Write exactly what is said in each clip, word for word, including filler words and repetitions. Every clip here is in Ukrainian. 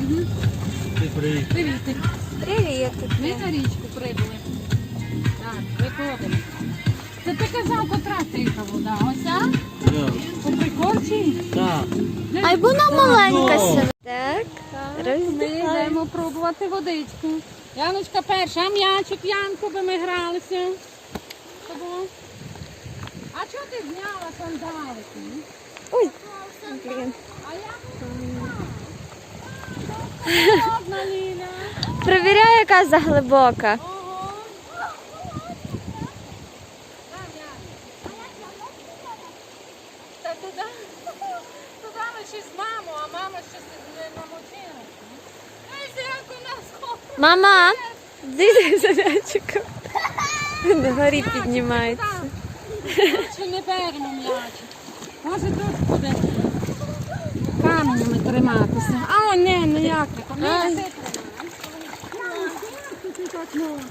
Привіт. Привіт. Привіт. Ми на річку прибули. Так, виходимо. Це ти казав, котра тиха вода. Оця? Так. По прикорчі? Так. Ай, вона маленька себе. Так, Ми йдемо пробувати водичку. Яночка перша, а м'ячик, Янку, би ми гралися. Тобо. А чого ти зняла сандалики? Ой, блін. А я Одна, Ліля. Провіряю, яка заглибока. Ого. Там, Яна. Та туди, туди ми ще з мамою, а мама ще не намочила. Ой, як у нас хопить. Мама, дивіться за м'ячиком. На горі піднімається. Чи не беремо м'ячик? Може тут буде каменями триматися. А, о, не, ніяк не. Ай. Ні, ти ти так можеш.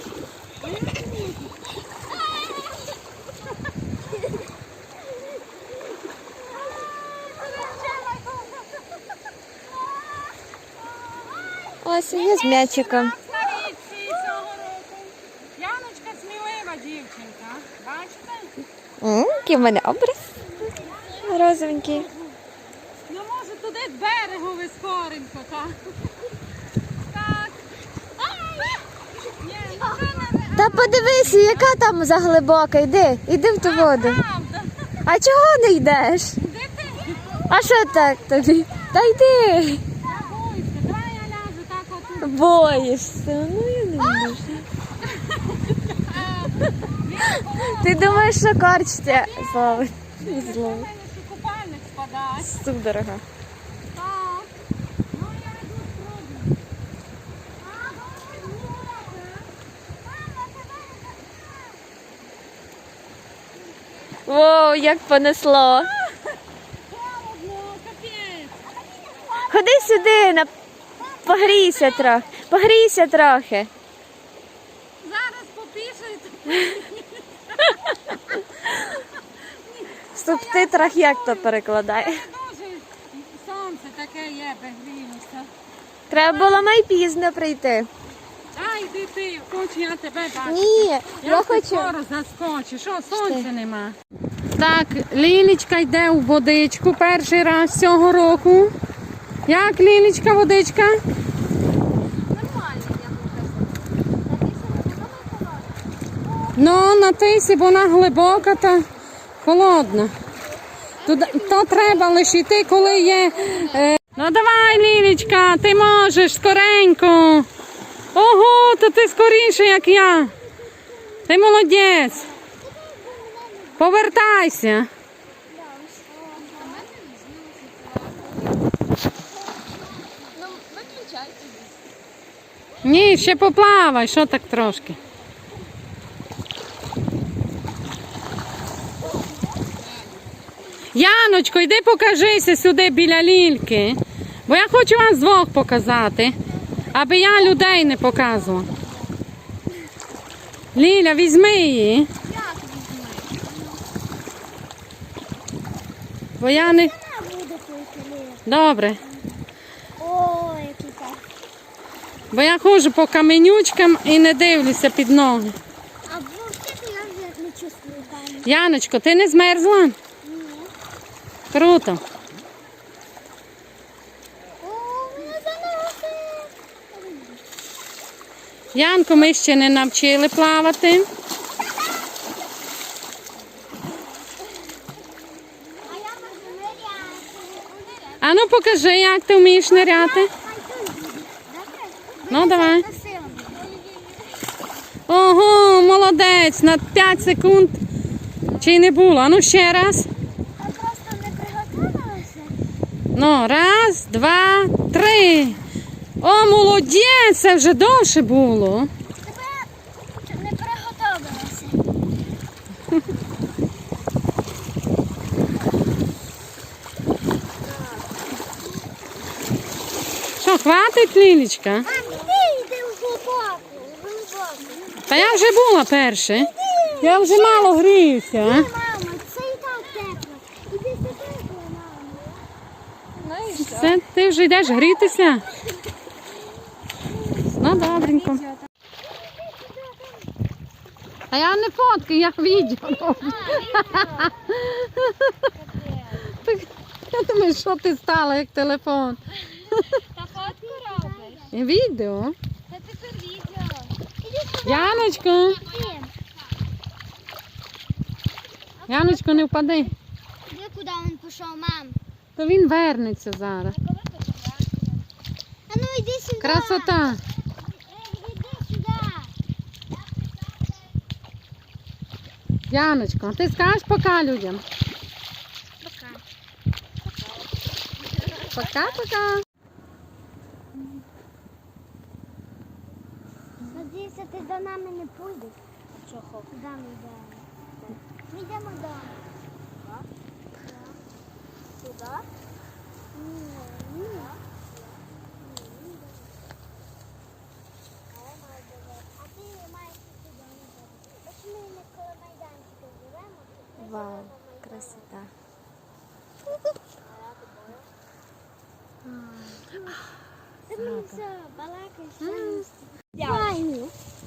Ось я з м'ячиком. Яночка смілива дівчинка. Бачите? М, Який в мене образ. Розовенький. Ну може туди з берегу ви скоренько, так? Так. Ні, вже не Та подивися, яка там заглибока. Йди, йди в ту воду. правда. А чого не йдеш? Де ти? А що так тобі? Та йди. Не бойся, давай я ляжу так отут. Боїшся. Ну я не можу. Ти думаєш, що корч тебе зловить? Не зловить. Мене ще купальник спадає. Судорога. Так. Ну я йду спробую. Воу, як понесло. Холодно, капець. Ходи сюди, на... погрійся трохи. Погрійся трохи. Зараз попішуєте. В субтитрах як то перекладає? Дуже сонце таке є, пригрілося. Треба було май пізно прийти. Ай, йди ти, хочу я тебе бачити. Ні, я Я хочу. скоро заскочу. Що, сонця нема? Так, Лілічка йде у водичку перший раз цього року. Як, Лілічка, водичка? Ну, на тисі, бо вона глибока та холодна. Туди, то треба лише йти, коли є... Е... Ну давай, Лілічка, ти можеш скоренько. Ого, то ти скоріше, як я. Ти молодець. Повертайся. Ні, ще поплавай, що так трошки. Яночко, йди покажися сюди біля Лільки. Бо я хочу вам з двох показати, аби я людей не показувала. Ліля, візьми її. Бо я не... Добре. О, який так. Бо я ходжу по каменючкам і не дивлюся під ноги. А взагалі я вже не чувствую камінь. Яночко, ти не змерзла? Ні. Круто. О, мене заносить. Янку ми ще не навчили плавати. А я можу ниряти. А ну покажи, як ти вмієш ниряти. Ну, давай. Ого, молодець, на п'ять секунд. Чи не було? А ну ще раз. Я просто не приготувалася. Ну, раз, два, три. О, молодець, це вже довше було. Тебе не приготувалася. Що, хватить, Лілічка? А, ти йди в глибоку, в глибоку. Та я вже була перше. Я вже мало гріюся. а? Мама, це і так тепло. Іди сюди, мама. Це ти вже йдеш грітися? Ну, добренько. А я не фоткаю, я відео роблю. Так, я думаю, що ти стала, як телефон. Та фотку робиш? Відео. Та тепер відео. Яночко, Яночко, не впади. Іди, куди він пішов, мам? То він вернеться зараз. А ну йди сюди. Красота. Іди сюди. Яночко, а ти скажеш пока людям? Пока. Пока-пока. Надіюся, ти до нами не пойдеш. Чого? Куди ми йдемо? Ми йдемо вдома. Туди? Ні, ні. А ти маєш туди. Ось ми не коло майданчика живемо. Вау, красота. Ти мені все балакаєш. Файно.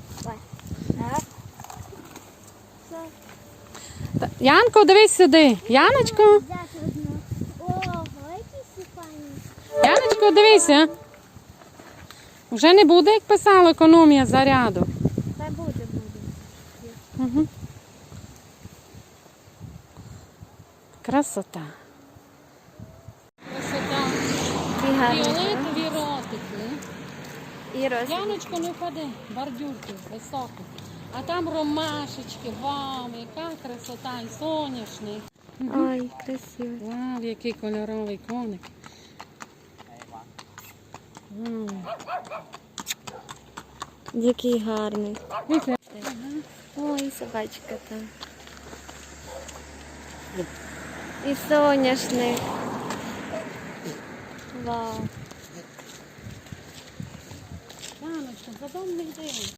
Та- Янко, дивись сюди. Яночко, Взяти одну. Ого, які всі файні. Яночко, дивися. Вже не буде, як писала, економія заряду. Та буде, буде. Угу. Красота. Красота. І гарно. Фіолетові ротики. І роз... Яночко, не впади, бордюрки високі. А там ромашечки, вау, яка красота, і соняшник. Ой, красиво. Вау, який кольоровий коник. Вау. Який гарний. Дивіться. Ой, собачка там. І соняшник. Вау. Яночко, за дом не йди.